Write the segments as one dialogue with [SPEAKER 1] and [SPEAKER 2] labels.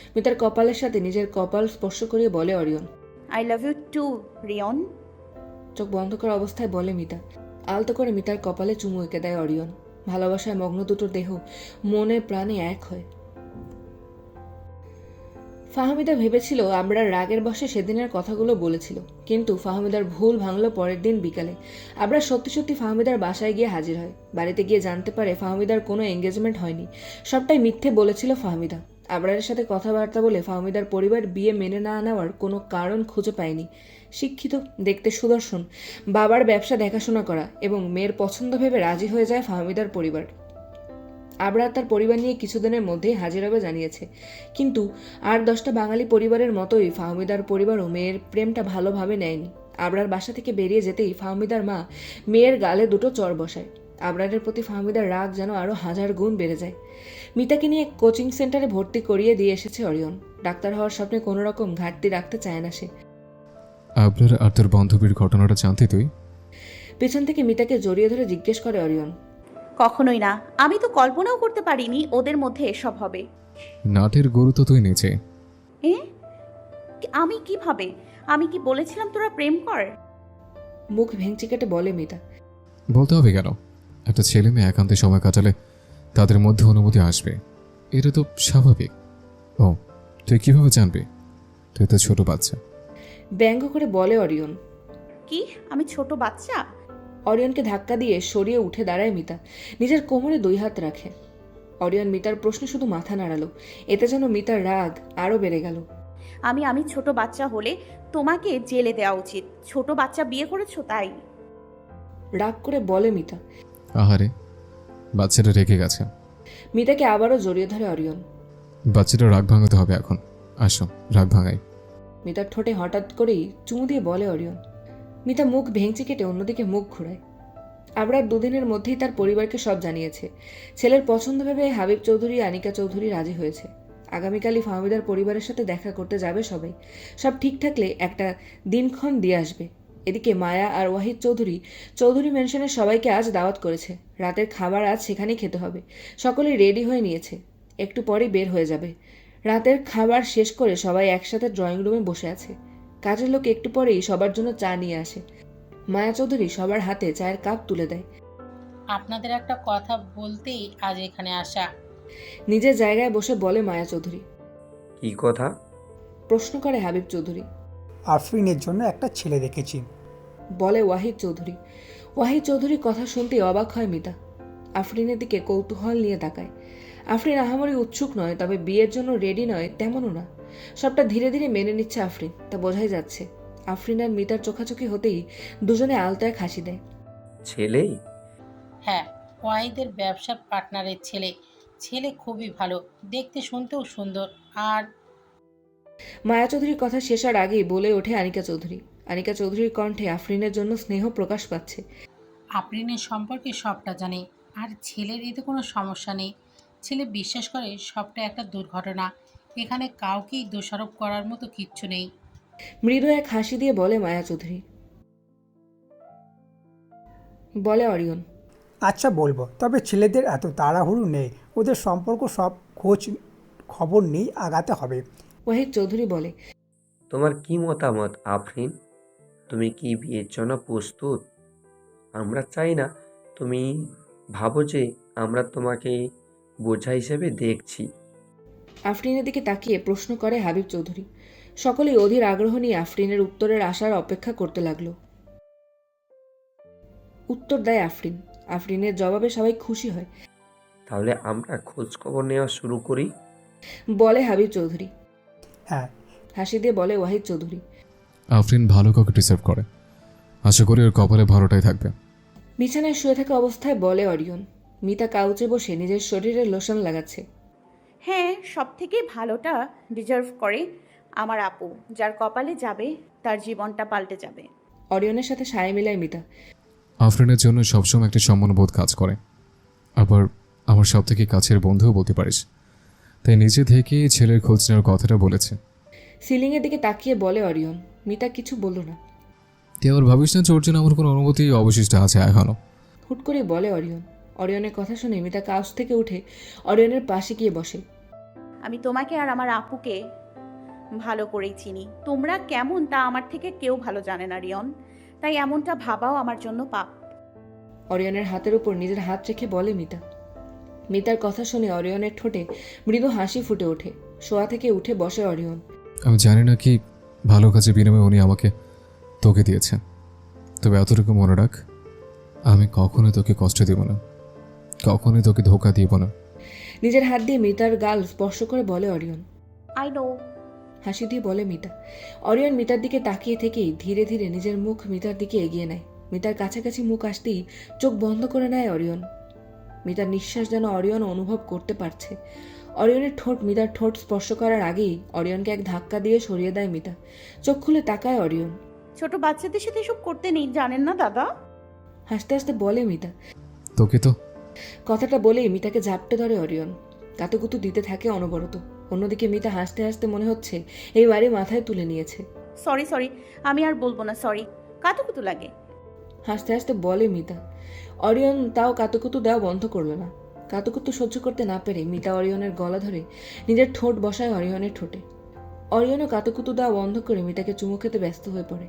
[SPEAKER 1] মিতার কপালের সাথে নিজের কপাল স্পর্শ করিয়ে বলে Orion.
[SPEAKER 2] I love you too Rion.
[SPEAKER 1] চোখ বন্ধ করা অবস্থায় বলে মিতা। আলতো করে মিতার কপালে চুমু এঁকে দেয় অরিয়ন। ভালোবাসায় মগ্ন দুটোর দেহ মনে প্রাণে এক হয়। ফাহমিদা ভেবেছিল আমরা রাগের বশে সেদিনের কথাগুলো বলেছিল, কিন্তু ফাহমিদার ভুল ভাঙল পরের দিন বিকালে। আমরা সত্যি সত্যি ফাহমিদার বাসায় গিয়ে হাজির হয়। বাড়িতে গিয়ে জানতে পারে ফাহমিদার কোনো এঙ্গেজমেন্ট হয়নি, সবটাই মিথ্যে বলেছিল ফাহমিদা। আবরারের সাথে কথাবার্তা বলে ফাহমিদার পরিবার বিয়ে মেনে না নেওয়ার কোনো কারণ খুঁজে পায়নি। শিক্ষিত, দেখতে সুদর্শন, বাবার ব্যবসা দেখাশোনা করা এবং মেয়ের পছন্দ ভেবে রাজি হয়ে যায় ফাহমিদার পরিবার। আবরার তার পরিবার নিয়ে কিছুদিনের মধ্যেই হাজির হবে জানিয়েছে, কিন্তু 8-10টা বাঙালি পরিবারের মতোই ফাহমিদার পরিবারও মেয়ের প্রেমটা ভালোভাবে নেয়নি। আবরার বাসা থেকে বেরিয়ে যেতেই ফাহমিদার মা মেয়ের গালে দুটো চড় বসায়। আবরারের প্রতি ফাহমিদার রাগ যেন আরও 1000 গুণ বেড়ে যায়। মিতাকে নিয়ে কোচিং সেন্টারে ভর্তি করিয়ে দিয়ে এসেছে অরিয়ন। ডাক্তার হওয়ার স্বপ্নে কোনো রকম ঘাটতি রাখতে চায় না সে।
[SPEAKER 3] আবরার আর তোর বান্ধবীর ঘটনাটা জানতে তুই?
[SPEAKER 1] পেছন থেকে মিতাকে জড়িয়ে ধরে জিজ্ঞেস করে অরিয়ন।
[SPEAKER 2] কখনোই না, আমি তো কল্পনাও করতে পারিনি ওদের মধ্যে এসব হবে।
[SPEAKER 3] নাটের গরু তো তুই নিচে।
[SPEAKER 2] এ আমি কিভাবে? আমি কি বলেছিলাম তোরা প্রেম কর?
[SPEAKER 1] মুখ ভেঙচি কেটে বলে মিতা।
[SPEAKER 3] বলতে হবে কেন? একটা ছেলে মেয়ে একান্তে সময় কাটালে তাদের মধ্যে অনুমতি আসবে, এটা তো স্বাভাবিক। ও, তুই কিভাবে জানবি? তুই তো ছোট বাচ্চা।
[SPEAKER 1] ব্যঙ্গ করে বলে অরিয়ন।
[SPEAKER 2] কি আমি ছোট বাচ্চা?
[SPEAKER 1] অরিয়নকে ধাক্কা দিয়ে সরিয়ে উঠে দাঁড়ায় মিতা, নিজের কোমরে 2 হাত রাখে। অরিয়ন মিতার প্রশ্নে শুধু মাথা নাড়ালো। এতে যেন মিতার রাগ আরও বেড়ে গেল।
[SPEAKER 2] আমি ছোট বাচ্চা হলে তোমাকে জেলে দেওয়া উচিত। ছোট বাচ্চা বিয়ে করেছো তাই।
[SPEAKER 1] রাগ করে বলে মিতা।
[SPEAKER 3] আহারে, বাচ্চাটা রেখে গেছে।
[SPEAKER 1] মিতাকে আবারও জড়িয়ে ধরে অরিয়ন।
[SPEAKER 3] বাচ্চাটা রাগ ভাঙাতে হবে এখন। আসো, রাগ ভাঙাই।
[SPEAKER 1] মিতার ঠোঁটে হঠাৎ করেই চুমু দিয়ে বলে অরিয়ন। মিতা মুখ ভেঙচি কেটে অন্যদিকে মুখ ঘোরায়। আবরার 2 দিনের মধ্যেই তার পরিবারকে সব জানিয়েছে। ছেলের পছন্দ ভেবে হাবিব চৌধুরী, আনিকা চৌধুরী রাজি হয়েছে। আগামীকালই ফাহমিদার পরিবারের সাথে দেখা করতে যাবে সবাই। সব ঠিক থাকলে একটা দিনক্ষণ দিয়ে আসবে। এদিকে মায়া আর ওয়াহিদ চৌধুরী চৌধুরী ম্যানশনের সবাইকে আজ দাওয়াত করেছে। রাতের খাবার আজ সেখানেই খেতে হবে। সকলেই রেডি হয়ে নিয়েছে, একটু পরেই বের হয়ে যাবে। রাতের খাবার শেষ করে সবাই একসাথে ড্রয়িং রুমে বসে আছে। কাজের লোক একটু পরেই সবার জন্য চা নিয়ে আসে। মায়া চৌধুরী সবার হাতে চায়ের কাপ তুলে দেয়।
[SPEAKER 4] আপনাদের একটা কথা বলতেই আজ এখানে আসা।
[SPEAKER 1] নিজের জায়গায় বসে বলে মায়া চৌধুরী।
[SPEAKER 5] কি কথা?
[SPEAKER 1] প্রশ্ন করে হাবিব চৌধুরী।
[SPEAKER 6] আফরিনের জন্য একটা ছেলে দেখেছি।
[SPEAKER 1] বলে ওয়াহিদ চৌধুরী। ওয়াহিদ চৌধুরীর কথা শুনতেই অবাক হয় মিতা। আফরিনের দিকে কৌতূহল নিয়ে তাকায়। আফরিন আহামরি উৎসুক নয়, তবে বিয়ের জন্য রেডি নয় তেমনও না। সবটা ধীরে ধীরে মেনে নিচ্ছে আফরিন, তা বোঝাই যাচ্ছে। আফরিন আর মিতার চোখাচোখি হতেই দুজনে আলতো এক হাসি দেয়।
[SPEAKER 5] ছেলেই?
[SPEAKER 4] হ্যাঁ, ওয়াহিদের ব্যবসার পার্টনারের ছেলে। ছেলে খুবই ভালো, দেখতে শুনতেও সুন্দর। আর
[SPEAKER 1] মায়া চৌধুরীর কথা শেষ হওয়ার আগেই বলে ওঠে আনিকা চৌধুরী। আনিকা চৌধুরীর কণ্ঠে আফরিনের জন্য স্নেহ প্রকাশ পাচ্ছে।
[SPEAKER 4] আফরিনের সম্পর্কে সবটা জানে, আর ছেলের এতে কোনো সমস্যা নেই। ছেলে বিশ্বাস করে সবটা একটা দুর্ঘটনা। এখানে কাউকেই দোষারোপ করার মতো কিচ্ছু নেই।
[SPEAKER 1] মৃদু এক হাসি দিয়ে বলে মায়া চৌধুরী। বলে অরিয়ন।
[SPEAKER 6] আচ্ছা বলবো, তবে ছেলেদের এত তাড়াহুড়ো নেই, ওদের সম্পর্ক সব খোঁজ খবর নেই, আগাতে হবে।
[SPEAKER 1] ওয়াহিদ চৌধুরী বলে।
[SPEAKER 5] তোমার কি মতামত আফরিন? তুমি কি বিয়ের জন্য প্রস্তুত? আমরা চাই না তুমি ভাবো যে আমরা তোমাকে বোঝা হিসেবে দেখছি।
[SPEAKER 1] আফরিনের দিকে তাকিয়ে প্রশ্ন করে হাবিব চৌধুরী। সকলেই অধীর আগ্রহ নিয়ে আফরিনের উত্তরের আশার অপেক্ষা করতে লাগলো। উত্তর দেয় আফরিন। আফরিনের জবাবে সবাই খুশি হয়।
[SPEAKER 5] তাহলে আমরা খোঁজ খবর নেওয়া শুরু করি।
[SPEAKER 1] বলে হাবিব চৌধুরী।
[SPEAKER 6] হ্যাঁ,
[SPEAKER 1] হাসি দিয়ে বলে ওয়াহিদ চৌধুরী।
[SPEAKER 3] আফরিন ভালো কাউকে ডিসার্ভ করে, আশা করি ওর কপালে ভালোটাই থাকবে।
[SPEAKER 1] বিছানায় শুয়ে থাকা অবস্থায় বলে অরিয়ন। মিতা কাউচে বসে নিজের শরীরে লোশন লাগাচ্ছে।
[SPEAKER 2] হ্যাঁ, সব থেকে ভালোটা ডিজার্ভ করে আমার আপু। যার কপালে যাবে তার জীবনটা পাল্টে যাবে।
[SPEAKER 1] অরিয়নের সাথে সায় মিলায় মিতা।
[SPEAKER 3] আফরিনের জন্য সবসময় একটা সম্মানবোধ কাজ করে, আবার আমার সব থেকে কাছের বন্ধুও বলতে পারিস। তাই নিজে থেকেই ছেলের খোঁজ নেওয়ার কথাটা বলেছে।
[SPEAKER 1] সিলিংয়ের দিকে তাকিয়ে বলে অরিয়ন। মিতা কিছু বলল না।
[SPEAKER 3] তুই আবার ভাবিস না ওর জন্য আমার কোনো অনুমতি অবশিষ্ট আছে এখনো?
[SPEAKER 1] হুট করে বলে অরিয়ন। অরিয়নের কথা শুনে মিতা কাউচ থেকে উঠে অরিয়নের পাশে গিয়ে বসে।
[SPEAKER 2] আমি তোমাকে আর আমার আপুকে ভালো করেই চিনি। তোমরা কেমন তা আমার থেকে কেউ ভালো জানে না রিয়ন, তাই এমনটা ভাবাও আমার জন্য পাপ।
[SPEAKER 1] অরিয়নের হাতের উপর নিজের হাত রেখে বলে মিতা। মিতার কথা শুনে অরিয়নের ঠোঁটে মৃদু হাসি ফুটে ওঠে। শোয়া থেকে উঠে বসে অরিয়ন।
[SPEAKER 3] আমি জানি না কি ভালো কাজে বিনিময়ে উনি আমাকে তোকে দিয়েছেন, তবে এতটুকু মনে রাখ, আমি কখনোই তোকে কষ্ট দেব না, কখনোই তোকে ধোকা দিব না।
[SPEAKER 1] নিজের হাত দিয়ে মিতার গাল স্পর্শ করে বলে অরিয়ন।
[SPEAKER 2] I know.
[SPEAKER 1] হাসি দিয়ে বলে মিতা। অরিয়ন মিতার দিকে তাকিয়ে থেকেই ধীরে ধীরে নিজের মুখ মিতার দিকে এগিয়ে নেয়। মিতার কাছাকাছি মুখ আসতেই চোখ বন্ধ করে নেয় অরিয়ন। মিতার নিঃশ্বাস যেন অরিয়ন অনুভব করতে পারছে। অরিয়নের ঠোঁট মিতার ঠোঁট স্পর্শ করার আগেই অরিয়নকে এক ধাক্কা দিয়ে সরিয়ে দেয় মিতা। চোখ খুলে তাকায় অরিয়ন।
[SPEAKER 2] ছোট বাচ্চাদের সাথে এসব করতে নেই, জানেন না দাদা?
[SPEAKER 1] হাসতে হাসতে বলে মিতা।
[SPEAKER 3] তোকে তো
[SPEAKER 1] কথাটা বলেই মিতাকে ঝাপটে ধরে অরিয়ন। কাতুকুতু দিতে থাকে অনবরত। অন্যদিকে মিতা হাসতে হাসতে মনে হচ্ছে এই বাড়ি মাথায় তুলে নিয়েছে।
[SPEAKER 2] সরি সরি, আমি আর বলবো না, সরি। কাতুকুতু লাগে।
[SPEAKER 1] হাসতে হাসতে বলে মিতা। অরিয়ন তাও কাতুকুতু দেওয়া বন্ধ করলো না। কাতুকুতু সহ্য করতে না পেরে মিতা অরিয়নের গলা ধরে নিজের ঠোঁট বসায় অরিয়নের ঠোঁটে। অরিয়নও কাতুকুতু দেওয়া বন্ধ করে মিতাকে চুমু খেতে ব্যস্ত হয়ে পড়ে।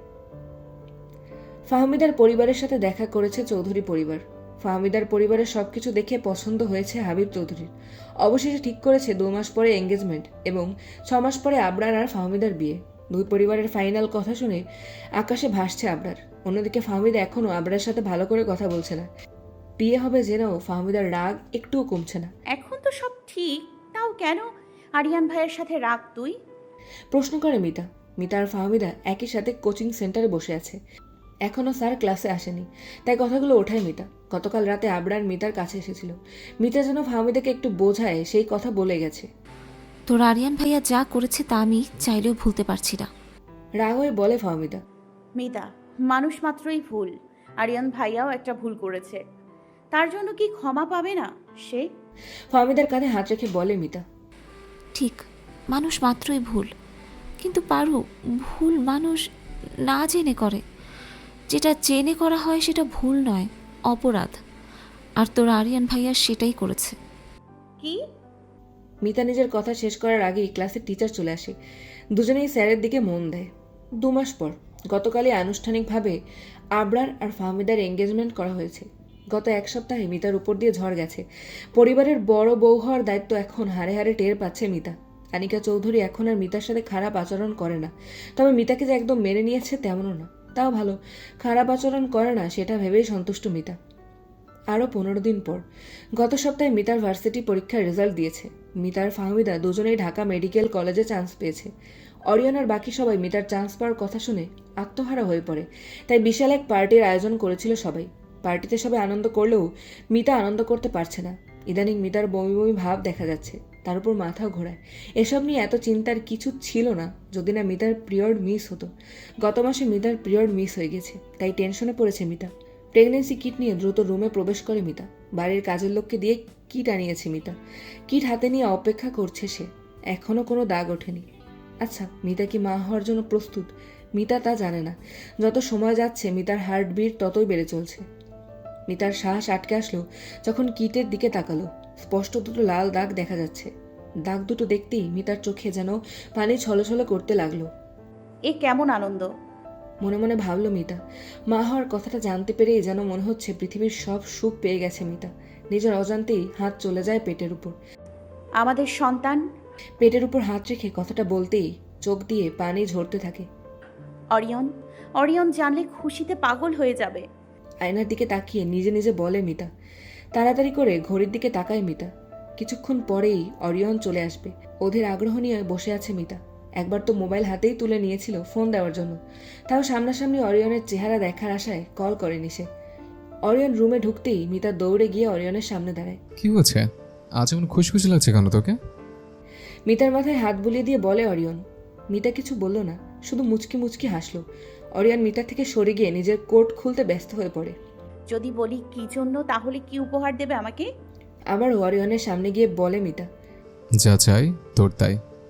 [SPEAKER 1] ফাহমিদার পরিবারের সাথে দেখা করেছে চৌধুরী পরিবার। ফাহমিদার পরিবারের সবকিছু দেখে পছন্দ হয়েছে হাবিব চৌধুরীর। অবশেষে ঠিক করেছে 2 মাস পরে এঙ্গেজমেন্ট এবং 6 মাস পরে আবরার আর ফাহমিদার বিয়ে। দুই পরিবারের ফাইনাল কথা শুনে আকাশে ভাসছে আবরার। অন্যদিকে ফাহমিদা এখনও আবরার সাথে ভালো করে কথা বলছে না। বিয়ে হবে জেনেও ফাহমিদার রাগ একটুও কমছে না।
[SPEAKER 2] এখন তো সব ঠিক, তাও কেন আরিয়ান ভাইয়ের সাথে রাগ তুই?
[SPEAKER 1] প্রশ্ন করে মিতা। মিতা আর ফাহমিদা একই সাথে কোচিং সেন্টারে বসে আছে। এখনও স্যার ক্লাসে আসেনি, তাই কথাগুলো ওঠায় মিতা। গতকাল রাতে আবরার মিতার কাছে এসেছিল। মিতা যেন ফাহমিদাকে একটু বোঝায় সেই কথা বলে গেছে।
[SPEAKER 7] তোর আরিয়ান ভাইয়া যা করেছে তা আমি চাইলেও ভুলতে পারছি না।
[SPEAKER 1] রাগ হয়ে বলে ফাহমিদা।
[SPEAKER 2] মিতা, মানুষ মাত্রই ভুল। আরিয়ান ভাইয়াও একটা ভুল করেছে, তার জন্য কি ক্ষমা পাবে না সে?
[SPEAKER 1] ফাহমিদার কাঁধে হাত রেখে বলে মিতা।
[SPEAKER 7] ঠিক, মানুষ মাত্রই ভুল, কিন্তু পারু, ভুল মানুষ না জেনে করে। যেটা জেনে করা হয় সেটা ভুল নয়, অপরাধ। আর তোর আরিয়ান ভাইয়া সেটাই করেছে।
[SPEAKER 2] কি?
[SPEAKER 1] মিতা নিজের কথা শেষ করার আগেই ক্লাসের টিচার চলে আসে। দুজনেই স্যারের দিকে মন দেয়। 2 মাস পর গতকালই আনুষ্ঠানিকভাবে আবরার আর ফাহমিদার এঙ্গেজমেন্ট করা হয়েছে। গত 1 সপ্তাহে মিতার উপর দিয়ে ঝড় গেছে। পরিবারের বড় বউ হওয়ার দায়িত্ব এখন হাড়ে হাড়ে টের পাচ্ছে মিতা। আনিকা চৌধুরী এখন আর মিতার সাথে খারাপ আচরণ করে না, তবে মিতাকে যে একদম মেনে নিয়েছে তেমনও না। তাও ভালো, খারাপ আচরণ করে না সেটা ভেবেই সন্তুষ্ট মিতা। আরও 15 দিন পর গত সপ্তাহে মিতার ভার্সিটি পরীক্ষার রেজাল্ট দিয়েছে। মিতার ফাহমিদা দুজনেই ঢাকা মেডিকেল কলেজে চান্স পেয়েছে। অরিয়ন আর বাকি সবাই মিতার চান্স পাওয়ার কথা শুনে আত্মহারা হয়ে পড়ে। তাই বিশাল এক পার্টির আয়োজন করেছিল সবাই। পার্টিতে সবাই আনন্দ করলেও মিতা আনন্দ করতে পারছে না। ইদানিং মিতার বমি বমি ভাব দেখা যাচ্ছে, তার উপর মাথাও ঘোরায়। এসব নিয়ে এত চিন্তার কিছু ছিল না যদি না মিতার পিরিয়ড মিস হতো। গত মাসে মিতার পিরিয়ড মিস হয়ে গেছে, তাই টেনশনে পড়েছে মিতা। প্রেগনেন্সি কিট নিয়ে দ্রুত রুমে প্রবেশ করে মিতা। বাড়ির কাজের লোককে দিয়ে কিট আনিয়েছে মিতা। কিট হাতে নিয়ে অপেক্ষা করছে সে। এখনও কোনো দাগ ওঠেনি। আচ্ছা, মিতা কি মা হওয়ার জন্য প্রস্তুত? মিতা তা জানে না। যত সময় যাচ্ছে মিতার হার্টবিট ততই বেড়ে চলছে। মিতার শ্বাস আটকে আসলো যখন কিটের দিকে তাকালো। স্পষ্ট দুটো লাল দাগ দেখা যাচ্ছে। দাগ দুটো দেখতেই মিতার চোখে যেন পানি ছলছল করতে লাগলো।
[SPEAKER 2] এ কেমন আনন্দ!
[SPEAKER 1] মনে মনে ভাবলো মিতা। মা হওয়ার কথাটা জানতে পেরেই যেন মনে হচ্ছে পৃথিবীর সব সুখ পেয়ে গেছে মিতা। নিজের অজান্তেই হাত চলে যায় পেটের উপর।
[SPEAKER 2] আমাদের সন্তান।
[SPEAKER 1] পেটের উপর হাত রেখে কথাটা বলতেই চোখ দিয়ে পানি ঝরতে থাকে।
[SPEAKER 2] অরিয়ন, অরিয়ন জানলে খুশিতে পাগল হয়ে যাবে।
[SPEAKER 1] আয়নার দিকে তাকিয়ে নিজে নিজে বলে মিতা। তাড়াতাড়ি করে ঘড়ির দিকে তাকায় মিতা। কিছুক্ষণ পরেই অরিয়ন চলে আসবে। অধীর আগ্রহ নিয়ে বসে আছে মিতা। একবার তো মোবাইল হাতেই তুলে নিয়েছিল ফোন দেওয়ার জন্য, তাও সামনাসামনি অরিয়নের চেহারা দেখার আশায় কল করেনি সে। অরিয়ন রুমে ঢুকতেই মিতা দৌড়ে গিয়ে অরিয়নের সামনে দাঁড়ায়।
[SPEAKER 3] কি হচ্ছে? আজ এমন খুশখুশি লাগছে কেন তোকে?
[SPEAKER 1] মিতার মাথায় হাত বুলিয়ে দিয়ে বলে অরিয়ন। মিতা কিছু বলল না, শুধু মুচকি মুচকি হাসলো। অরিয়ন মিতার থেকে সরে গিয়ে নিজের কোট খুলতে ব্যস্ত হয়ে পড়ে।
[SPEAKER 2] যদি বলি কি জন্য, তাহলে কি উপহার দেবে আমাকে?
[SPEAKER 1] আবার অরিয়নের সামনে গিয়ে বলে মিতা।
[SPEAKER 3] যা চাই তোর তাই।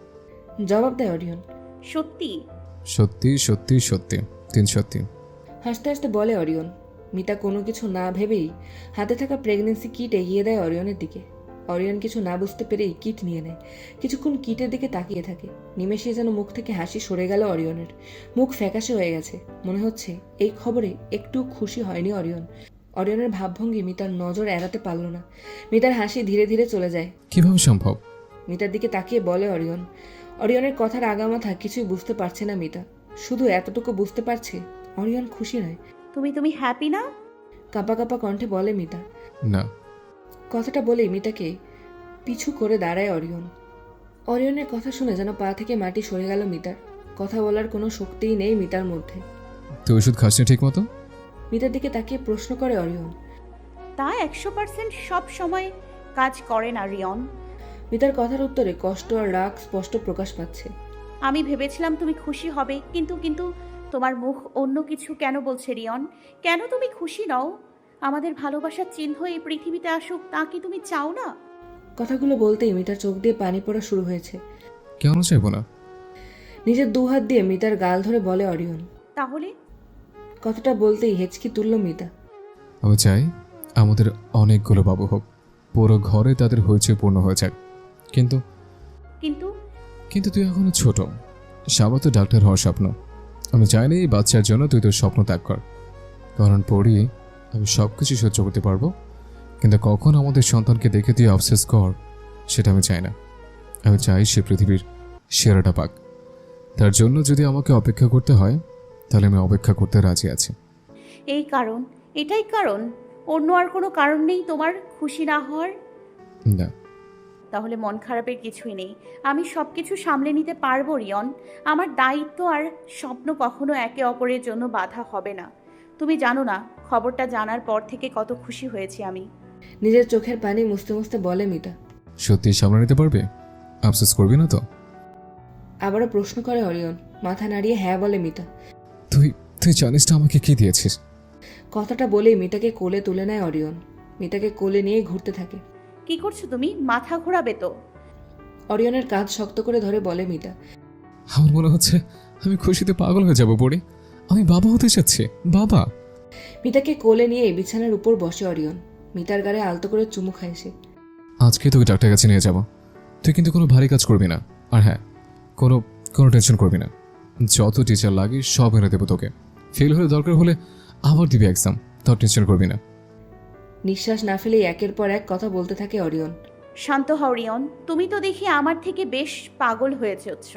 [SPEAKER 1] জবাব দেয় অরিয়ন।
[SPEAKER 2] সত্যি?
[SPEAKER 3] সত্যি সত্যি সত্যি, 3 সত্যি।
[SPEAKER 1] হাসতে হাসতে বলে অরিয়ন। মিতা কোনো কিছু না ভেবেই হাতে থাকা প্রেগনেন্সি কিট এগিয়ে দেয় অরিয়নের দিকে। অরিয়ন কিছু না বুঝতে পেরেই কিট নিয়ে নেয়। কিছুক্ষণ কিটের দিকে তাকিয়ে থাকে। নিমেষে যেন মুখ থেকে হাসি সরে গেল অরিয়নের। মুখ ফ্যাকাশে হয়ে গেছে। মনে হচ্ছে এই খবরে একটু খুশি হয়নি অরিয়ন। অরিয়নের ভাবভঙ্গি মিতার নজর এড়াতে পারল না। মিতার হাসি ধীরে ধীরে চলে যায়।
[SPEAKER 3] কিভাবে সম্ভব?
[SPEAKER 1] মিতার দিকে তাকিয়ে বলে অরিয়ন। অরিয়নের কথার আগামাথা কিছুই বুঝতে পারছে না মিতা। শুধু এতটুকু বুঝতে পারছে অরিয়ন খুশি নয়।
[SPEAKER 2] তুমি হ্যাপি না?
[SPEAKER 1] কাঁপা কাঁপা কণ্ঠে বলে মিতা।
[SPEAKER 3] না।
[SPEAKER 1] কথাটা বলেই মিতাকে পিছু করে দাঁড়ায় অরিয়ন। অরিয়নের কথা শুনে যেন পা থেকে মাটি সরে গেল মিতার। কথা বলার কোনো শক্তিই নেই মিতার মধ্যে।
[SPEAKER 3] তুই ওষুধ খাস না ঠিক মতো?
[SPEAKER 1] মিতার দিকে তাকিয়ে প্রশ্ন করে অরিয়ন।
[SPEAKER 2] তা 100% সব সময় কাজ করে না রিয়ন।
[SPEAKER 1] মিতার কথার উত্তরে কষ্ট আর রাগ স্পষ্ট প্রকাশ পাচ্ছে।
[SPEAKER 2] আমি ভেবেছিলাম তুমি খুশি হবে, কিন্তু তোমার মুখ অন্য কিছু কেন বলছে রিয়ন? কেন তুমি খুশি নও? আমাদের ভালোবাসার চিহ্ন এই পৃথিবীতে আসুক, তা কি তুমি চাও না?
[SPEAKER 1] কথাগুলো বলতেই মিতার চোখ দিয়ে পানি পড়া শুরু হয়েছে।
[SPEAKER 3] কেন চাইবো না?
[SPEAKER 1] নিজের দুহাত দিয়ে মিতার গাল ধরে বলে অরিয়ন।
[SPEAKER 2] তাহলে?
[SPEAKER 1] কথাটা বলতেই হেঁচকি তুলল মিতা।
[SPEAKER 3] আমি চাই আমাদের অনেকগুলো বাবু হোক, পুরো ঘরে তাদের হইচই পূর্ণ হয়ে যাক। কিন্তু
[SPEAKER 2] কিন্তু
[SPEAKER 3] কিন্তু তুই এখনো ছোট। সাবা তো ডাক্তার হওয়ার স্বপ্ন। আমি চাই না এই বাচ্চার জন্য তুই তোর স্বপ্ন ত্যাগ কর। কারণ পড়িয়ে আমি সব কিছু সহ্য করতে পারবো, কিন্তু কখন আমাদের সন্তানকে দেখে তুই অবসেস কর সেটা আমি চাই না। আমি চাই সে পৃথিবীর সেরাটা পাক। তার জন্য যদি আমাকে অপেক্ষা করতে হয় তাহলে আমি অপেক্ষা করতে রাজি আছি।
[SPEAKER 2] এই কারণ, এটাই কারণ? অন্য আর কোনো কারণ নেই তোমার খুশি না হওয়ার?
[SPEAKER 3] না।
[SPEAKER 2] তাহলে মন খারাপের কিছুই নেই। আমি সব কিছু সামলে নিতে পারবো রিয়ন। আমার দায়িত্ব আর স্বপ্ন কখনো একে অপরের জন্য বাধা হবে না। তুমি জানো না, খবরটা জানার পর থেকে কত খুশি হয়েছি আমি।
[SPEAKER 1] নিজের চোখের পানি মুছতে মুছতে বলে মিতা।
[SPEAKER 3] সত্যি সামনে নিতে পারবে? আফসোস করবি না তো?
[SPEAKER 1] আবারও প্রশ্ন করে অরিয়ন। মাথা নাড়িয়ে হ্যাঁ বলে মিতা।
[SPEAKER 3] তুই তুই জানিস না আমাকে কি দিয়েছিস?
[SPEAKER 1] কথাটা বলেই মিতাকে কোলে তুলে নেয় অরিয়ন। মিতাকে কোলে নিয়ে ঘুরতে থাকে।
[SPEAKER 2] কি করছো তুমি? মাথা ঘোরাবে তো।
[SPEAKER 1] অরিয়নের কাঁধ শক্ত করে ধরে বলে মিতা।
[SPEAKER 3] আমার মনে হচ্ছে আমি খুশিতে পাগল হয়ে যাব পড়ে। আমি বাবা হতে চাচ্ছি, বাবা।
[SPEAKER 1] মিতাকে কোলে নিয়ে বিছানার উপর বসে অরিয়ন। মিতার গায়ে আলতো করে চুমু খায় সে।
[SPEAKER 3] আজকে তোকে ডাক্তার কাছে নিয়ে যাব। তুই কিন্তু কোনো ভারী কাজ করবি না। আর হ্যাঁ, কোনো কোনো টেনশন করবি না। যত টিচার লাগে সব এনে দেবো তোকে। ফেল হলে দরকার হলে আবার দিবি এক্সাম, তোর টেনশন করবি না।
[SPEAKER 1] নিঃশ্বাস না ফেলেই একের পর এক কথা বলতে থাকে অরিয়ন।
[SPEAKER 2] শান্ত হও রিয়ন। তুমি তো দেখি আমার থেকে বেশ পাগল হয়ে যাচ্ছ।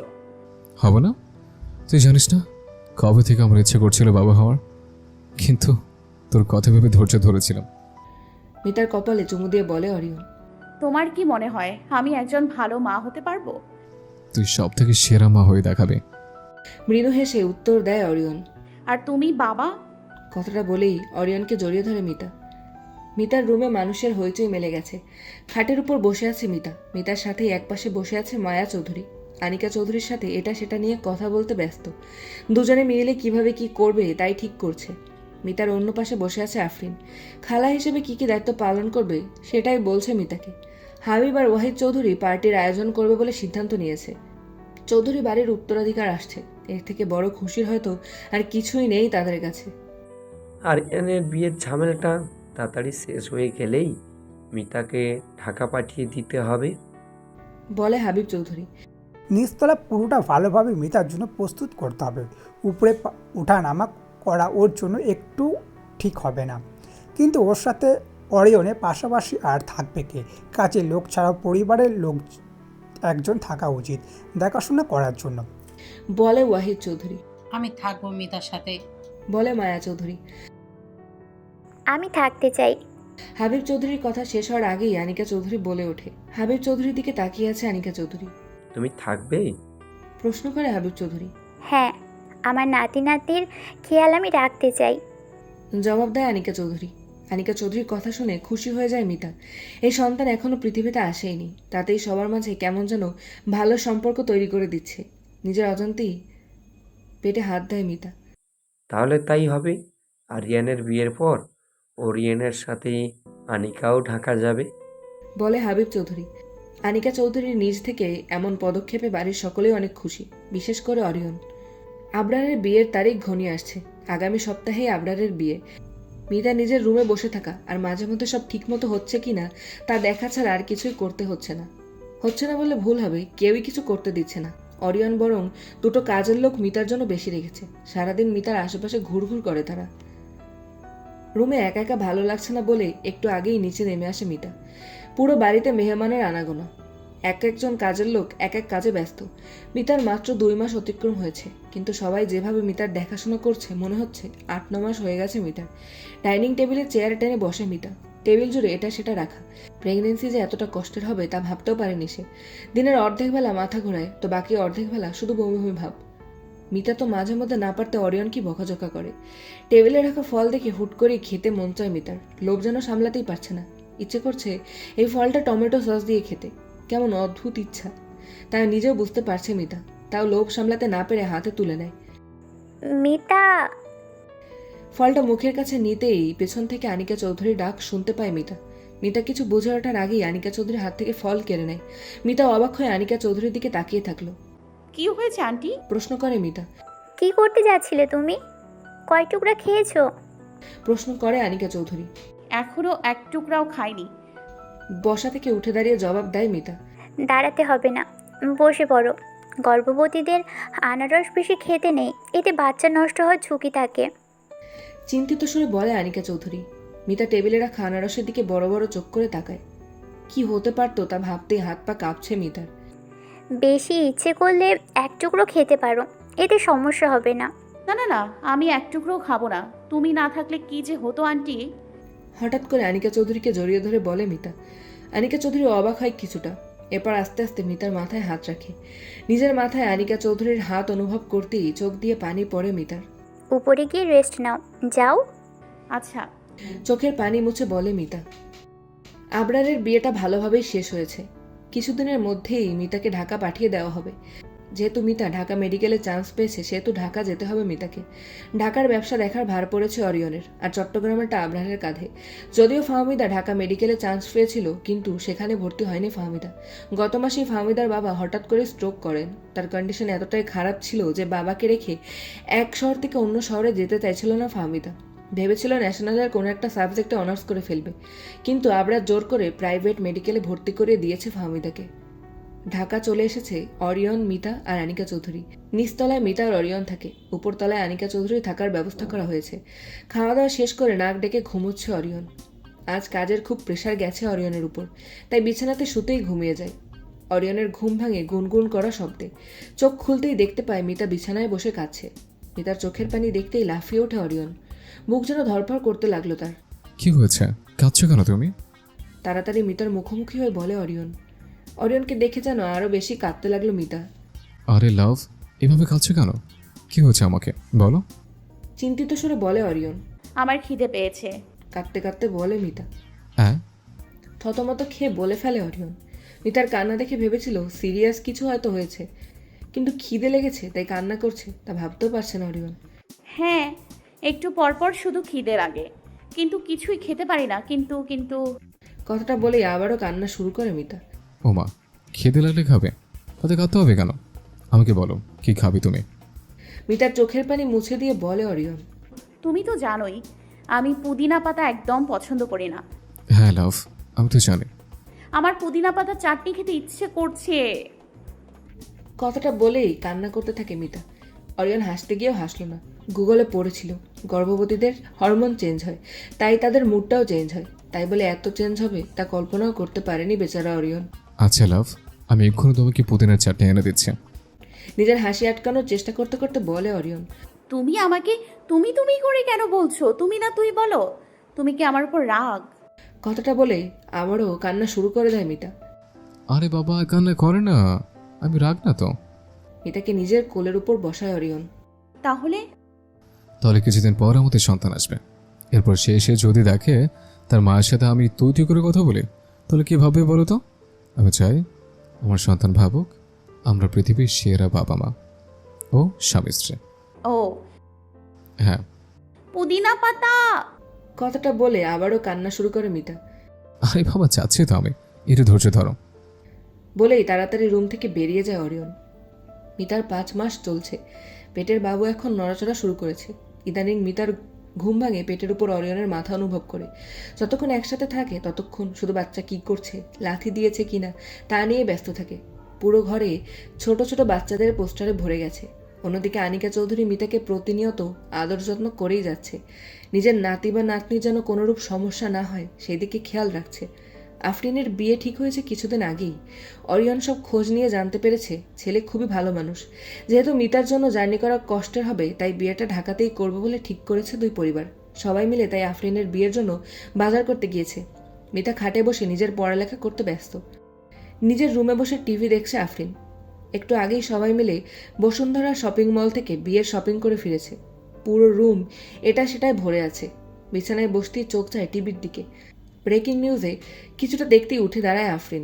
[SPEAKER 3] হবে না? তুই জানিস না কবে থেকে আমার ইচ্ছে করছিল বাবা হওয়ার, কিন্তু তোর কথা ভেবে ধৈর্য ধরেছিলাম।
[SPEAKER 1] মিতার কপালে চুমু দিয়ে বলে অরিয়ন।
[SPEAKER 2] তোমার কি মনে হয় আমি একজন ভালো মা হতে পারবো?
[SPEAKER 3] তুই সব থেকে সেরা মা হয়ে দেখাবে।
[SPEAKER 1] মৃদু হেসে উত্তর দেয় অরিয়ন।
[SPEAKER 2] আর তুমি বাবা?
[SPEAKER 1] কথাটা বলেই অরিয়নকে জড়িয়ে ধরে মিতা। মিতার রুমে মানুষের হইচই মেলে গেছে। খাটের উপর বসে আছে মিতা। মিতার সাথেই একপাশে বসে আছে মায়া চৌধুরী। আনিকা চৌধুরীর সাথে এটা সেটা নিয়ে কথা বলতে ব্যস্ত। দুজনে মিলে কিভাবে কি করবে তাই ঠিক করছে। মিতার অন্য পাশে বসে আছে আফরিন। খালা হিসেবে কি কি দায়িত্ব পালন করবে সেটাই বলছে মিতাকে। হাবিব আর ওয়াহিদ চৌধুরী পার্টির আয়োজন করবে বলে সিদ্ধান্ত নিয়েছে। চৌধুরী বাড়ির উত্তরাধিকার আসছে। এর থেকে বড় খুশির হয়তো আর কিছুই নেই তাদের কাছে।
[SPEAKER 5] আরিয়ানের বিয়ের ঝামেলাটা তাড়াতাড়ি শেষ হয়ে গেলেই মিতাকে ঢাকা পাঠিয়ে দিতে হবে।
[SPEAKER 1] বলে হাবিব চৌধুরী।
[SPEAKER 6] নিচতলা পুরোটা ভালোভাবে মিতার জন্য প্রস্তুত করতে হবে। উপরে ওঠা নামা করা ওর জন্য একটু ঠিক হবে না। কিন্তু ওর সাথে অরিয়নের পাশাপাশি আর থাকবে কে? কাজের লোক ছাড়াও পরিবারের লোক একজন থাকা উচিত দেখাশোনা করার জন্য।
[SPEAKER 1] বলে ওয়াহিদ চৌধুরী।
[SPEAKER 4] আমি থাকবো মিতার সাথে।
[SPEAKER 1] বলে মায়া চৌধুরী।
[SPEAKER 8] আমি থাকতে চাই।
[SPEAKER 1] হাবিব চৌধুরীর কথা শেষ হওয়ার আগেই আনিকা চৌধুরী বলে ওঠে। হাবিব চৌধুরীর দিকে তাকিয়ে আছে আনিকা চৌধুরী।
[SPEAKER 5] তুমি থাকবে?
[SPEAKER 1] প্রশ্ন করে হাবিব চৌধুরী।
[SPEAKER 8] হ্যাঁ, আমার নাতি নাতির খেয়াল আমি রাখতে চাই।
[SPEAKER 1] জবাব দেয় আনিকা চৌধুরী। আনিকা চৌধুরীর কথা শুনে খুশি হয়ে যায় মিতা। এই সন্তান এখনো পৃথিবীতে আসেইনি, তাতেই সবার মাঝে কেমন যেন ভালো সম্পর্ক তৈরি করে দিচ্ছে। নিজের অজান্তেই পেটে হাত দেয় মিতা।
[SPEAKER 5] তাহলে তাই হবে। আরিয়ানের বিয়ের পর ওরিয়নের সাথে আনিকাও ঢাকা যাবে।
[SPEAKER 1] বলে হাবিব চৌধুরী। আনিকা চৌধুরীর নিজ থেকে এমন পদক্ষেপে বাড়ির সকলেই অনেক খুশি, বিশেষ করে অরিয়ন। আবরারের বিয়ের তারিখ ঘনিয়ে আসছে। আগামী সপ্তাহেই আবরারের বিয়ে। মিতা নিজের রুমে বসে থাকা আর মাঝে মধ্যে সব ঠিকমতো হচ্ছে কিনা তা দেখা ছাড়া আর কিছুই করতে হচ্ছে না। হচ্ছে না বললে ভুল হবে, কেউই কিছু করতে দিচ্ছে না। অরিয়ন বরং দুটো কাজের লোক মিতার জন্য বেশি রেখেছে। সারাদিন মিতার আশেপাশে ঘুরঘুর করে তারা। রুমে একা একা ভালো লাগছে না বলে একটু আগেই নিচে নেমে আসে মিতা। পুরো বাড়িতে মেহমানের আনাগোনা, এক একজন কাজের লোক এক এক কাজে ব্যস্ত। মিতার মাত্র 2 মাস অতিক্রম হয়েছে, কিন্তু সবাই যেভাবে মিতার দেখাশোনা করছে মনে হচ্ছে 8-9 মাস হয়ে গেছে মিতার। ডাইনিং টেবিলে চেয়ারে টেনে বসে মিতা, টেবিল জুড়ে এটা সেটা রাখা। প্রেগনেন্সি যে এতটা কষ্টের হবে তা ভাবতেও পারেনি সে। দিনের অর্ধেক বেলা মাথা ঘোরায়, তো বাকি অর্ধেক বেলা শুধু বমি বমি ভাব। মিতা তো মাঝে মধ্যে না পারতে অরিয়ন কি বকাঝকা করে। টেবিলে রাখা ফল দেখে হুট করেই খেতে মন চায় মিতার। লোভ যেন সামলাতেই পারছে না, ইচ্ছে করছে এই ফলটা টমেটো সস দিয়ে খেতে। কেমন অদ্ভুত ইচ্ছা, তাই নিজেও বুঝতে পারছে মিতা, তাও লোভ সামলাতে না পেরে হাতে তুলে নেয়।
[SPEAKER 8] মিতা।
[SPEAKER 1] ফলটা মুখের কাছে নিতেই পেছন থেকে আনিকা চৌধুরীর ডাক শুনতে পায় মিতা। মিতা কিছু বুঝে ওঠার আগেই আনিকা চৌধুরীর হাত থেকে ফল কেড়ে নেয়। মিতা অবাক হয়ে আনিকা চৌধুরীর দিকে তাকিয়ে থাকলো।
[SPEAKER 2] কি হয়েছে আন্টি?
[SPEAKER 1] প্রশ্ন করে মিতা।
[SPEAKER 8] কি করতে যাচ্ছিলে তুমি? কয় টুকরা খেয়েছো?
[SPEAKER 1] প্রশ্ন করে আনিকা চৌধুরী।
[SPEAKER 2] এখনো এক টুকরাও খাইনি।
[SPEAKER 1] বসা থেকে উঠে দাঁড়িয়ে জবাব দেয় মিতা।
[SPEAKER 8] দাঁড়াতে হবে না, বসে পড়ো। গর্ভবতীদের আনারস বেশি খেতে নেই, এতে বাচ্চা নষ্ট হওয়ার ঝুঁকি থাকে।
[SPEAKER 1] চিন্তিত সুরে বলে আনিকা চৌধুরী। মিতা টেবিলে রাখা আনারসের দিকে বড় বড় চোখ করে তাকায়। কি হতে পারতো তা ভাবতেই হাত পা কাঁপছে মিতার।
[SPEAKER 8] বেশি ইচ্ছে করলে এক টুকরো খেতে পারো, এতে সমস্যা হবে না।
[SPEAKER 2] না না না, আমি এক টুকরোও খাবো না। তুমি না থাকলে কি যে হতো আন্টি।
[SPEAKER 1] হঠাৎ করে আনিকা চৌধুরীকে জড়িয়ে ধরে বলে মিতা। আনিকা চৌধুরী অবাক হয় কিছুটা, এরপর আস্তে আস্তে মিতার মাথায় হাত রাখে। নিজের মাথায় আনিকা চৌধুরীর হাত অনুভব করতেই চোখ দিয়ে পানি পড়ে মিতার।
[SPEAKER 8] উপরে গিয়ে রেস্ট নাও, যাও।
[SPEAKER 2] আচ্ছা।
[SPEAKER 1] চোখের পানি মুছে বলে মিতা। আবরারের বিয়েটা ভালোভাবেই শেষ হয়েছে। কিছুদিনের মধ্যেই মিতাকে ঢাকা পাঠিয়ে দেওয়া হবে। যেহেতু মিতা ঢাকা মেডিকেলে চান্স পেয়েছে, সেহেতু ঢাকা যেতে হবে মিতাকে। ঢাকার ব্যবসা দেখার ভার পড়েছে অরিয়নের, আর চট্টগ্রামেরটা আবরারের কাঁধে। যদিও ফাহমিদা ঢাকা মেডিকেলে চান্স পেয়েছিল, কিন্তু সেখানে ভর্তি হয়নি ফাহমিদা। গত মাসেই ফাহমিদার বাবা হঠাৎ করে স্ট্রোক করেন। তার কন্ডিশন এতটাই খারাপ ছিল যে বাবাকে রেখে এক শহর থেকে অন্য শহরে যেতে চাইছিল না ফাহমিদা। ভেবেছিল ন্যাশনালের কোনো একটা সাবজেক্টে অনার্স করে ফেলবে, কিন্তু আবরার জোর করে প্রাইভেট মেডিকেলে ভর্তি করে দিয়েছে ফাহমিদাকে। ঢাকা চলে এসেছে অরিয়ন, মিতা আর আনিকা চৌধুরী। নিচতলায় মিতা আর অরিয়ন থাকে, উপরতলায় আনিকা চৌধুরী থাকার ব্যবস্থা করা হয়েছে। খাওয়া দাওয়া শেষ করে নাক ডেকে ঘুমোচ্ছে অরিয়ন। আজ কাজের খুব প্রেশার গেছে অরিয়নের উপর, তাই বিছানাতে শুতেই ঘুমিয়ে যায়। অরিয়নের ঘুম ভাঙে গুনগুন করা শব্দে। চোখ খুলতেই দেখতে পায় মিতা বিছানায় বসে কাঁদছে। মিতার চোখের পানি দেখতেই লাফিয়ে ওঠে অরিয়ন। মুখ যেন ধরফর করতে লাগলো তার।
[SPEAKER 3] কি হয়েছে, কাঁদছো কেন তুমি?
[SPEAKER 1] তাড়াতাড়ি মিতার মুখোমুখি হয়ে বলে অরিয়ন। অরিয়নকে দেখে যেন আরো বেশি কাঁদতে লাগলো মিতা।
[SPEAKER 3] আরে লাভ, এভাবে কাঁদছো কেন? কি হয়েছে আমাকে বলো।
[SPEAKER 1] চিন্তিত সুরে বলে অরিয়ন।
[SPEAKER 2] আমার খিদে পেয়েছে।
[SPEAKER 1] কাঁদতে কাঁদতে বলে মিতা।
[SPEAKER 3] হ্যাঁ?
[SPEAKER 1] থতমত খেয়ে বলে ফেলে অরিয়ন। মিতার কান্না দেখে ভেবেছিল সিরিয়াস কিছু হয়তো হয়েছে, কিন্তু খিদে লেগেছে তাই কান্না করছে তা ভাবতেও পারছে না অরিয়ন।
[SPEAKER 2] হ্যাঁ, একটু পরপর শুধু খিদে লাগে, কিন্তু কিছুই খেতে পারি না। কিন্তু কিন্তু
[SPEAKER 1] কথাটা বলেই আবারও কান্না শুরু করে মিতা।
[SPEAKER 3] ওমা, খেতে লাগলে খাবে, তাতে কাঁদতে হবে কেন? আমাকে বলো, কি খাবি তুমি?
[SPEAKER 1] মিতার চোখের পানি মুছে দিয়ে বলে অরিয়ন।
[SPEAKER 2] তুমি তো জানোই আমি পুদিনা পাতা একদম পছন্দ করি না।
[SPEAKER 3] হ্যাঁ লাভ, আমি তো জানি।
[SPEAKER 2] আমার পুদিনা পাতা চাটনি খেতে ইচ্ছে করছে।
[SPEAKER 1] কথাটা বলেই কান্না করতে থাকে মিতা। অরিয়ন হাসতে গিয়েও হাসলো না। গুগলে পড়েছিল গর্ভবতীদের হরমোন চেঞ্জ হয়, তাই তাদের মুডটাও চেঞ্জ হয়। তাই বলে এত চেঞ্জ হবে তা কল্পনাও করতে পারেনি বেচারা অরিয়ন।
[SPEAKER 3] আচ্ছা লাভ, আমি এক্ষুনি তোমাকে পুদিনার চাটনি এনে দিচ্ছি।
[SPEAKER 1] নিজের হাসি আটকানোর চেষ্টা করতে করতে বলে অরিয়ন।
[SPEAKER 2] তুমি আমাকে তুমি তুমি করে কেন বলছো? তুমি না তুই বলো। তুমি কি আমার উপর রাগ?
[SPEAKER 1] কথাটা বলে আবারও কান্না শুরু করে দেয় মিতা।
[SPEAKER 3] আরে বাবা, কান্না করে না, আমি রাগ না তো।
[SPEAKER 1] মিতাকে নিজের কোলের উপর বসায় অরিয়ন।
[SPEAKER 2] তাহলে
[SPEAKER 3] কিছুদিন পর আমাদের সন্তান আসবে। এরপর সে এসে যদি দেখে তার মায়ের সাথে আমি তুই তুই করে কথা বলি, তাহলে কি ভাববে বলো তো? আমি চাই আমার সন্তান ভাবুক আমরা পৃথিবীর সেরা বাবা মা ও স্বামী স্ত্রী।
[SPEAKER 2] ও
[SPEAKER 3] হ্যাঁ।
[SPEAKER 2] পুদিনা পাতা।
[SPEAKER 1] কথাটা বলে আবারও কান্না শুরু করে মিতা।
[SPEAKER 3] আরে বাবা, চাচ্ছি তো আমি, একটু ধৈর্য ধরো।
[SPEAKER 1] বলেই তাড়াতাড়ি রুম থেকে বেরিয়ে যায় অরিয়ন। মিতার 5 মাস চলছে। পেটের বাবু এখন নড়াচড়া শুরু করেছে। ইদানিং মিতার ঘুম ভাঙে পেটের উপর অরিয়নের মাথা অনুভব করে। যতক্ষণ একসাথে থাকে ততক্ষণ শুধু বাচ্চা কি করছে, লাথি দিয়েছে কিনা তা নিয়ে ব্যস্ত থাকে। পুরো ঘরে ছোট ছোট বাচ্চাদের পোস্টারে ভরে গেছে। অন্যদিকে আনিকা চৌধুরী মিতাকে প্রতিনিয়ত আদর যত্ন করেই যাচ্ছে। নিজের নাতি বা নাতনির যেন কোনোরূপ সমস্যা না হয় সেই দিকে খেয়াল রাখছে। আফরিনের বিয়ে ঠিক হয়েছে কিছুদিন আগেই। অরিয়ন সব খোঁজ নিয়ে জানতে পেরেছে ছেলে খুবই ভালো মানুষ। যেহেতু মিতার জন্য জার্নি করা কষ্টের হবে তাই বিয়েটা ঢাকাতেই করবে বলে ঠিক করেছে দুই পরিবার। সবাই মিলে তাই আফরিনের বিয়ের জন্য বাজার করতে গিয়েছে। মিতা খাটে বসে নিজের পড়ালেখা করতে ব্যস্ত। নিজের রুমে বসে টিভি দেখছে আফরিন। একটু আগেই সবাই মিলে বসুন্ধরা শপিং মল থেকে বিয়ের শপিং করে ফিরেছে। পুরো রুম এটা সেটাই ভরে আছে। বিছানায় বসতেই চোখ যায় টিভির দিকে। ব্রেকিং নিউজে কিছুটা দেখতেই উঠে দাঁড়ায় আফরিন।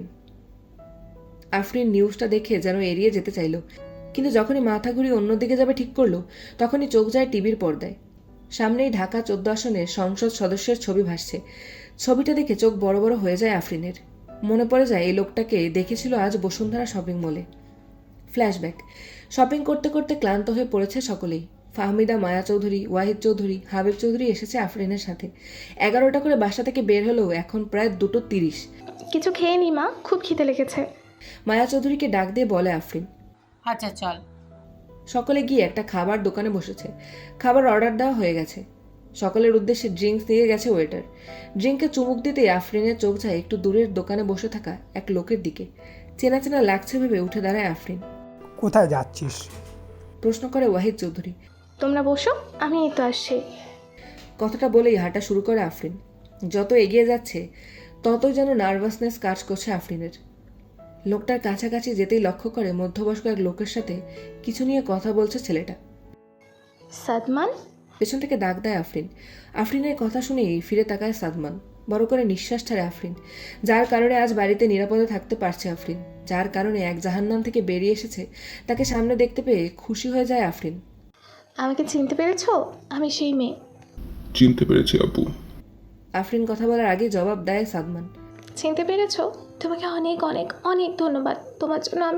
[SPEAKER 1] আফরিন নিউজটা দেখে যেন এড়িয়ে যেতে চাইল, কিন্তু যখনই মাথা ঘুরিয়ে অন্যদিকে যাবে ঠিক করলো তখনই চোখ যায় টিভির পর্দায়। সামনেই ঢাকা 14 আসনের সংসদ সদস্যের ছবি ভাসছে। ছবিটা দেখে চোখ বড় বড় হয়ে যায় আফরিনের। মনে পড়ে যায় এই লোকটাকে দেখেছিল আজ বসুন্ধরা শপিং মলে। ফ্ল্যাশব্যাক। শপিং করতে করতে ক্লান্ত হয়ে পড়েছে সকলেই। ফাহমিদা, মায়া চৌধুরী, ওয়াহিদ চৌধুরী, হাবিব চৌধুরী এসেছে আফরিনের সাথে। 11টা করে বাসা থেকে বের হলেও এখন প্রায় 2:30।
[SPEAKER 9] কিছু খেয়ে নি মা, খুব খিদে লেগেছে।
[SPEAKER 1] মায়া চৌধুরীকে ডাক দিয়ে বলে আফরিন।
[SPEAKER 4] আচ্ছা চল।
[SPEAKER 1] সকলে গিয়ে একটা খাবার দোকানে বসেছে। খাবার অর্ডার দেওয়া হয়ে গেছে। সকলের উদ্দেশ্যে ড্রিঙ্কস দিয়ে গেছে ওয়েটার। ড্রিঙ্কে চুমুক দিতেই আফরিনের চোখ যায় একটু দূরের দোকানে বসে থাকা এক লোকের দিকে। চেনা চেনা লাগছে ভেবে উঠে দাঁড়ায় আফরিন।
[SPEAKER 6] কোথায় যাচ্ছিস?
[SPEAKER 1] প্রশ্ন করে ওয়াহিদ চৌধুরী।
[SPEAKER 9] তোমরা বসো, আমি এই তো আসছি।
[SPEAKER 1] কথাটা বলেই হাঁটা শুরু করে আফরিন। যত এগিয়ে যাচ্ছে ততই যেন নার্ভাসনেস কাজ করছে আফরিনের। লোকটার কাছাকাছি যেতেই লক্ষ্য করে মধ্যবয়স্ক এক লোকের সাথে কিছু নিয়ে কথা বলছে ছেলেটা।
[SPEAKER 9] সাদমান?
[SPEAKER 1] পেছন থেকে ডাক দেয় আফরিন। আফরিনের কথা শুনেই ফিরে তাকায় সাদমান। বড় করে নিঃশ্বাস ছাড়ে আফরিন। যার কারণে আজ বাড়িতে নিরাপদে থাকতে পারছে আফরিন, যার কারণে এক জাহান্নাম থেকে বেরিয়ে এসেছে, তাকে সামনে দেখতে পেয়ে খুশি হয়ে যায় আফরিন।
[SPEAKER 9] আমাকে চিনতে পেরেছো? আমি সেই মেয়ে।
[SPEAKER 10] চিনতে পেরেছি আপু।
[SPEAKER 1] আফরিন কথা বলার আগে জবাব দেয় সাদমান।
[SPEAKER 9] চিনতে পেরেছো? তোমাকে অনেক অনেক অনেক ধন্যবাদ। তোমার জন্য আমি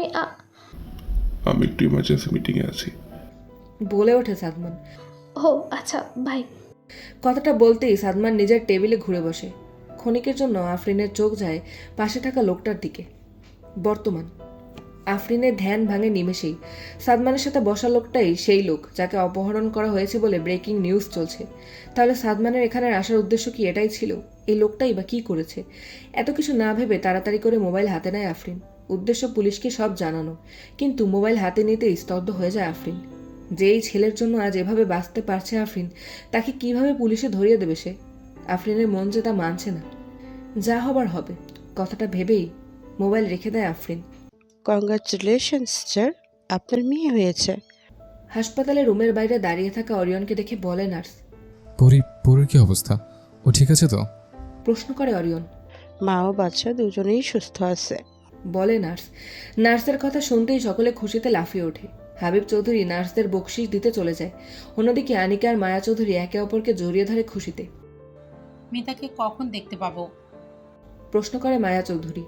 [SPEAKER 10] একটু ইমার্জেন্সি মিটিংয়ে আছি।
[SPEAKER 1] বলে ওঠে সাদমান।
[SPEAKER 9] ও আচ্ছা, বাই।
[SPEAKER 1] কথাটা বলতেই সাদমান নিজের টেবিলে ঘুরে বসে। ক্ষণিকের জন্য আফরিনের চোখ যায় পাশে থাকা লোকটার দিকে। বর্তমান। আফরিনের ধ্যান ভাঙে নিমেষেই। সাদমানের সাথে বসা লোকটাই সেই লোক যাকে অপহরণ করা হয়েছে বলে ব্রেকিং নিউজ চলছে। তাহলে সাদমানের এখানে আসার উদ্দেশ্য কি এটাই ছিল? এই লোকটাই বা কী করেছে? এত কিছু না ভেবে তাড়াতাড়ি করে মোবাইল হাতে নেয় আফরিন। উদ্দেশ্য পুলিশকে সব জানানো, কিন্তু মোবাইল হাতে নিতেই স্তব্ধ হয়ে যায় আফরিন। যেই ছেলের জন্য আজ এভাবে বাঁচতে পারছে আফরিন, তাকে কিভাবে পুলিশে ধরিয়ে দেবে সে? আফরিনের মন যে তা মানছে না। যা হবার হবে, কথাটা ভেবেই মোবাইল রেখে দেয় আফরিন।
[SPEAKER 11] কংগ্রাচুলেশনস স্যার, আপনার মেয়ে হয়েছে।
[SPEAKER 1] হাসপাতালে রুমের বাইরে দাঁড়িয়ে থাকা অরিয়নকে দেখে বলে নার্স।
[SPEAKER 3] পরির কি অবস্থা? ও ঠিক আছে তো?
[SPEAKER 1] প্রশ্ন করে অরিয়ন।
[SPEAKER 11] মা ও বাচ্চা দুজনেই সুস্থ আছে,
[SPEAKER 1] বলে নার্স। নার্সের কথা শুনতেই সকলে খুশিতে লাফিয়ে ওঠে। হাবিব চৌধুরী নার্সদের বকশিশ দিতে চলে যায়। অন্যদিকে আনিকা আর মায়া চৌধুরী একে অপরকে জড়িয়ে ধরে খুশিতে।
[SPEAKER 4] মিতাকে কখন দেখতে পাবো?
[SPEAKER 1] প্রশ্ন করে মায়া চৌধুরী।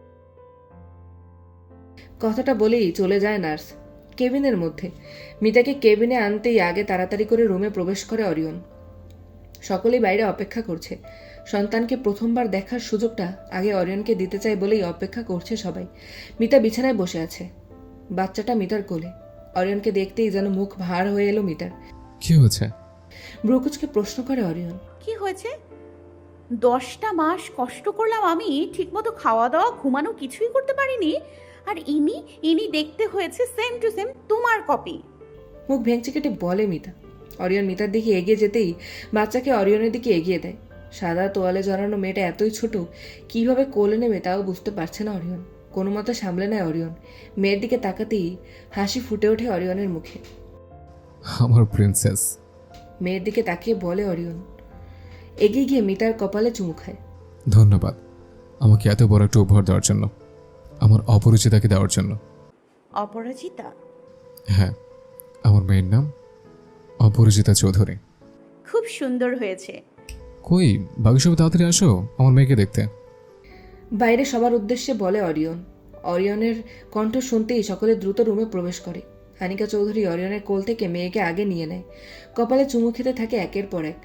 [SPEAKER 1] কথাটা বলেই চলে যায় নার্স কেবিনের মধ্যে। মিতাকে কেবিনে আনতেই আগে তাড়াতাড়ি করে রুমে প্রবেশ করে অরিয়ন। সকলেই বাইরে অপেক্ষা করছে। সন্তানকে প্রথমবার দেখার সুযোগটা আগে অরিয়নকে দিতে চায় বলেই অপেক্ষা করছে সবাই। মিতা বিছানায় বসে আছে, বাচ্চাটা মিতার কোলে। অরিয়নকে দেখতেই যেন মুখ ভার হয়ে এলো মিতার।
[SPEAKER 3] কি হয়েছে?
[SPEAKER 1] ব্রুকুচকে প্রশ্ন করে অরিয়ন।
[SPEAKER 2] কি হয়েছে? 10টা মাস কষ্ট করলাম আমি, ঠিকমতো খাওয়া দাওয়া ঘুমানো কিছুই করতে পারিনি, আর ইনি দেখতে হয়েছে সেম টু সেম তোমার কপি।
[SPEAKER 1] মুখ ভেঙচি কেটে বলে মিতা। অরিয়ন মিতার দিকে এগিয়ে যেতেই বাচ্চাকে অরিয়নের দিকে এগিয়ে দেয়। সাদা তোয়ালে জড়ানো মেয়েটা এতই ছোট, কিভাবে কোলে নেবে তাও বুঝতে পারছে না অরিয়ন। কোনো মতো সামলে নেয় অরিয়ন। মেয়ের দিকে তাকাতেই হাসি ফুটে ওঠে অরিয়নের মুখে।
[SPEAKER 3] আমার প্রিন্সেস।
[SPEAKER 1] মেয়ের দিকে তাকিয়ে বলে অরিয়ন। এগিয়ে গিয়ে মিতার কপালে চুমু খায়।
[SPEAKER 3] ধন্যবাদ আমাকে এত বড় একটা উপহার দেওয়ার জন্য, আমার অপরিচিতাকে দেওয়ার জন্য।
[SPEAKER 2] অপরাজিতা?
[SPEAKER 3] হ্যাঁ, আমার মেয়ের নাম অপরিচিতা চৌধুরী।
[SPEAKER 2] খুব সুন্দর হয়েছে।
[SPEAKER 3] কই বাকি সব তাড়াতাড়ি আসো আমার মেয়েকে দেখতে।
[SPEAKER 1] বাইরে সবার উদ্দেশ্যে বলে অরিয়ন। অরিয়নের কণ্ঠ শুনতেই সকলে দ্রুত রুমে প্রবেশ করে। আনিকা চৌধুরী অরিয়নের কোল থেকে মেয়েকে আগে নিয়ে নেয়। কপালে চুমু খেতে থাকে একের পর এক।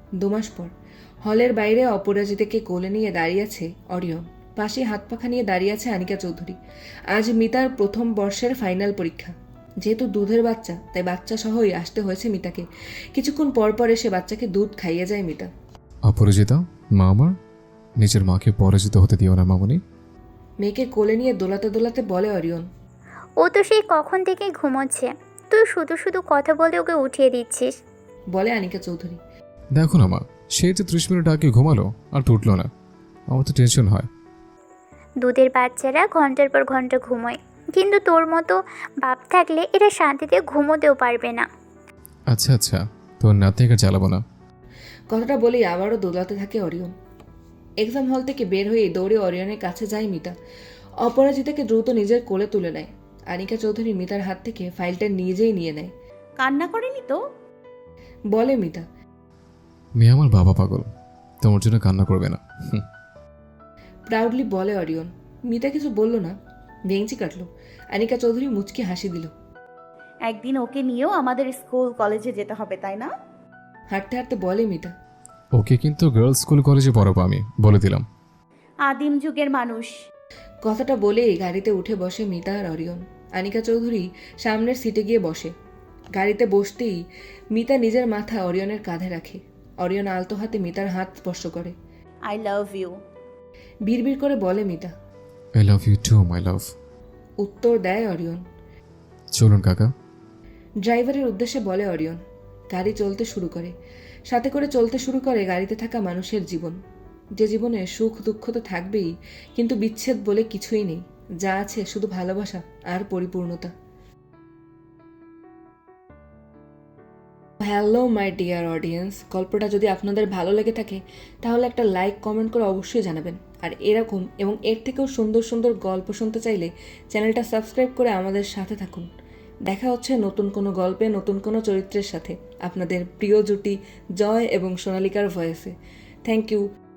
[SPEAKER 1] 2 মাস পর হলের বাইরে অপরাজিতাকে কোলে নিয়ে দাঁড়িয়ে আছে অরিয়ন, পাশে হাত পাখা নিয়ে দাঁড়িয়ে আছে আনিকা চৌধুরী। আজ মিতার প্রথম বর্ষের ফাইনাল পরীক্ষা। যেহেতু দুধের বাচ্চা, তাই বাচ্চা সহই আসতে হয়েছে মিতাকে। কিছুক্ষণ পর পর এসে বাচ্চাকে দুধ খাইয়ে যায় মিতা।
[SPEAKER 3] অপরাজিতা, মা আমার, নিজের মাকে পরাজিত হতে দিও না মামনি।
[SPEAKER 1] মেয়েকে কোলে নিয়ে দোলাতে দোলাতে বলে অরিয়ন।
[SPEAKER 8] ও তো সেই কখন থেকেই ঘুমোচ্ছে, তুই শুধু শুধু কথা বলে ওকে উঠিয়ে দিচ্ছিস।
[SPEAKER 1] বলে আনিকা চৌধুরী।
[SPEAKER 3] দেখো না মা, সে যে 30 মিনিট আগে ঘুমালো আর তো উঠলো না, আমার তো টেনশন হয়।
[SPEAKER 8] দুধের বাচ্চারা ঘন্টার পর ঘন্টা ঘুমোয়, কিন্তু তোর মতো বাপ থাকলে এরা শান্তিতে ঘুমোতেও পারবে না।
[SPEAKER 3] আচ্ছা আচ্ছা, তোর নাতনিকে জ্বালাবো না।
[SPEAKER 1] কথাটা বলেই আবারও দোলাতে থাকে অরিয়ন। এক্সাম হল থেকে বের হয়ে দৌড়ে অরিয়নের কাছে যায় মিতা। অপরাজিতাকে দ্রুত নিজের কোলে তুলে নেয়। আনিকা চৌধুরী মিতার হাত থেকে ফাইলটা নিজেই নিয়ে নেয়।
[SPEAKER 2] কান্না করেনি তো?
[SPEAKER 1] বলে মিতা।
[SPEAKER 3] মেয়ে আমার বাবা পাগল, তোমার জন্য কান্না করবে না।
[SPEAKER 1] প্রাউডলি বলে অরিয়ন। মিতা কিছু বলল না, ভেঙচি কাটলো। আনিকা চৌধুরী মুচকি হাসি দিল।
[SPEAKER 2] একদিন ওকে নিয়েও আমাদের স্কুল কলেজে যেতে হবে, তাই না?
[SPEAKER 1] হাঁটতে হাঁটতে বলে মিতা।
[SPEAKER 3] ওকে কিন্তু গার্লস স্কুল কলেজে পড়াবো আমি, বলে দিলাম।
[SPEAKER 2] আদিম যুগের মানুষ।
[SPEAKER 1] কথাটা বলেই গাড়িতে উঠে বসে মিতা আর অরিয়ন। আনিকা চৌধুরী সামনের সিটে গিয়ে বসে। গাড়িতে বসতেই মিতা নিজের মাথা অরিয়নের কাঁধে রাখে। অরিয়ন আলতো হাতে মিতার হাত স্পর্শ করে।
[SPEAKER 2] I love you.
[SPEAKER 1] বিড়বিড় করে বলে Mita.
[SPEAKER 3] I love you too my love.
[SPEAKER 1] উত্তর দেয় অরিয়ন।
[SPEAKER 3] চলুন কাকা।
[SPEAKER 1] ড্রাইভারের উদ্দেশ্যে বলে অরিয়ন। গাড়ি চলতে শুরু করে। সাথে করে চলতে শুরু করে গাড়িতে থাকা মানুষের জীবন। যে জীবনে সুখ দুঃখ তো থাকবেই, কিন্তু বিচ্ছেদ বলে কিছুই নেই। যা আছে শুধু ভালোবাসা আর পরিপূর্ণতা। হ্যালো মাই ডিয়ার অডিয়েন্স, গল্পটা যদি আপনাদের ভালো লেগে থাকে তাহলে একটা লাইক কমেন্ট করে অবশ্যই জানাবেন। আর এরকম এবং এর থেকেও সুন্দর সুন্দর গল্প শুনতে চাইলে চ্যানেলটা সাবস্ক্রাইব করে আমাদের সাথে থাকুন। দেখা হচ্ছে নতুন কোনো গল্পে নতুন কোনো চরিত্রের সাথে, আপনাদের প্রিয় জুটি জয় এবং সোনালিকার ভয়েসে। Thank you.